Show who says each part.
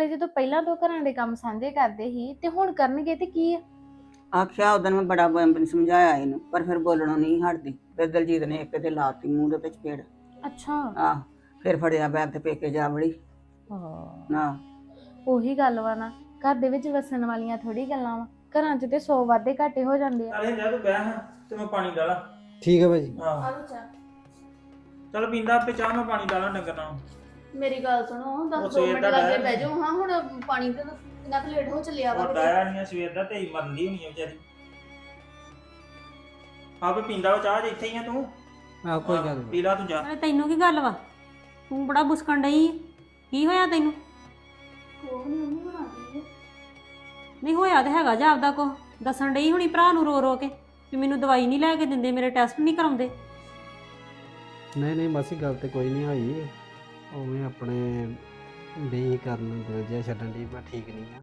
Speaker 1: ਨਾਲੇ ਜਦੋਂ ਪਹਿਲਾਂ ਤੋਂ ਘਰਾਂ ਦੇ ਕੰਮ ਸਾਂਝੇ ਕਰਦੇ ਸੀ ਤੇ ਹੁਣ ਕਰਨਗੇ ਤੇ ਕੀ ਆ।
Speaker 2: ਆਖਿਆ ਉਦੋਂ ਮੈਂ ਬੜਾ ਸਮਝਾਇਆ ਇਹਨੂੰ, ਪਰ ਫਿਰ ਬੋਲਣੋਂ ਨਹੀਂ ਹਟਦੀ। ਫਿਰ ਦਲਜੀਤ ਨੇ ਇੱਕ ਤੇ ਲਾਤੀ ਮੂੰਹ ਦੇ ਵਿੱਚ ਪੇੜ।
Speaker 1: ਅੱਛਾ।
Speaker 2: ਆਹ ਫਿਰ ਫੜਿਆ ਬੈਗ ਤੇ ਪੇਕੇ ਜਾ ਵੜੀ।
Speaker 1: ਹਾਂ
Speaker 2: ਨਾ
Speaker 1: ਉਹੀ ਗੱਲ ਵਾ ਨਾ, ਘਰ ਦੇ ਵਿੱਚ ਵਸਣ ਵਾਲੀਆਂ ਥੋੜੀ ਗੱਲਾਂ ਵਾ, ਘਰਾਂ 'ਚ ਤੇ 100 ਵਾਧੇ ਘਾਟੇ ਹੋ ਜਾਂਦੇ ਆ।
Speaker 3: ਅਰੇ ਜਾ ਤੂੰ ਬਹਿ ਹਾਂ ਤੇ ਮੈਂ ਪਾਣੀ ਡਾਲਾਂ।
Speaker 4: ਠੀਕ ਹੈ ਭਾਜੀ।
Speaker 3: ਆਹ
Speaker 1: ਆਲੋ ਚਾ
Speaker 3: ਚੱਲ ਪੀਂਦਾ ਆਪੇ ਚਾਹ, ਮੈਂ ਪਾਣੀ ਡਾਲਾਂ ਡੰਗਰ ਨਾਲ।
Speaker 1: ਮੇਰੀ ਗੱਲ ਸੁਣੋ,
Speaker 3: ਉਹ
Speaker 1: 10
Speaker 3: ਸਵੇਰ
Speaker 1: ਮਿੰਟ
Speaker 3: ਦਾ
Speaker 1: ਲੱਗੇ
Speaker 3: ਡਾਇਆ
Speaker 1: ਬਹਿ ਜਾਓ। ਹਾਂ ਹੁਣ ਪਾਣੀ ਤੇ ਕਿੰਨਾ ਕੁ ਲੇਟ ਹੋ ਚੱਲਿਆ ਵਾ
Speaker 3: ਉਹ ਡਾਇਆ ਨਹੀਂ ਸਵੇਰ ਦਾ, ਤੇ ਮਰਦੀ ਹੋਣੀ ਆ ਵਿਚਾਰੀ। ਆਪੇ ਪੀਂਦਾ ਵਾ ਚਾਹ, ਜੇ ਇੱਥੇ ਹੀ ਆ ਤੂੰ।
Speaker 4: ਆਹ ਕੋਈ ਗੱਲ ਨਹੀਂ।
Speaker 3: ਪੀ ਲਾ ਤੂੰ ਜਾ।
Speaker 5: ਅਰੇ ਤੈਨੂੰ ਕੀ ਗੱਲ ਵਾ? ਤੂੰ ਬੜਾ ਬੁਸਕਣ ਡਈ ਆਂ। ਕੀ ਹੋਇਆ ਤੈਨੂੰ?
Speaker 1: ਕੋਹ ਨਹੀਂ ਉਹਨੂੰ ਬਣਾਉਂਦੀ ਹੈ।
Speaker 5: ਨਹੀਂ ਹੋਇਆ ਤੇ ਹੈਗਾ ਜਾ ਆਪਦਾ ਕੋ ਦੱਸਣ ਡਈ ਹੁਣੀ ਭਰਾ ਨੂੰ ਰੋ ਰੋ ਕੇ ਵੀ ਮੈਨੂੰ ਦਵਾਈ ਨਹੀਂ ਲੈ ਕੇ ਦਿੰਦੇ, ਮੇਰੇ ਟੈਸਟ ਨਹੀਂ ਕਰਾਉਂਦੇ।
Speaker 4: ਨਹੀਂ ਨਹੀਂ ਮਾਸੀ ਗੱਲ ਤੇ ਕੋਈ ਨਹੀਂ ਹੋਈ, ਉਵੇਂ ਆਪਣੇ ਬੇ ਕਰਨ ਦਿਲ ਜਿਹਾ ਛੱਡਣ ਦੀ ਮੈਂ ਠੀਕ ਨਹੀਂ ਆ।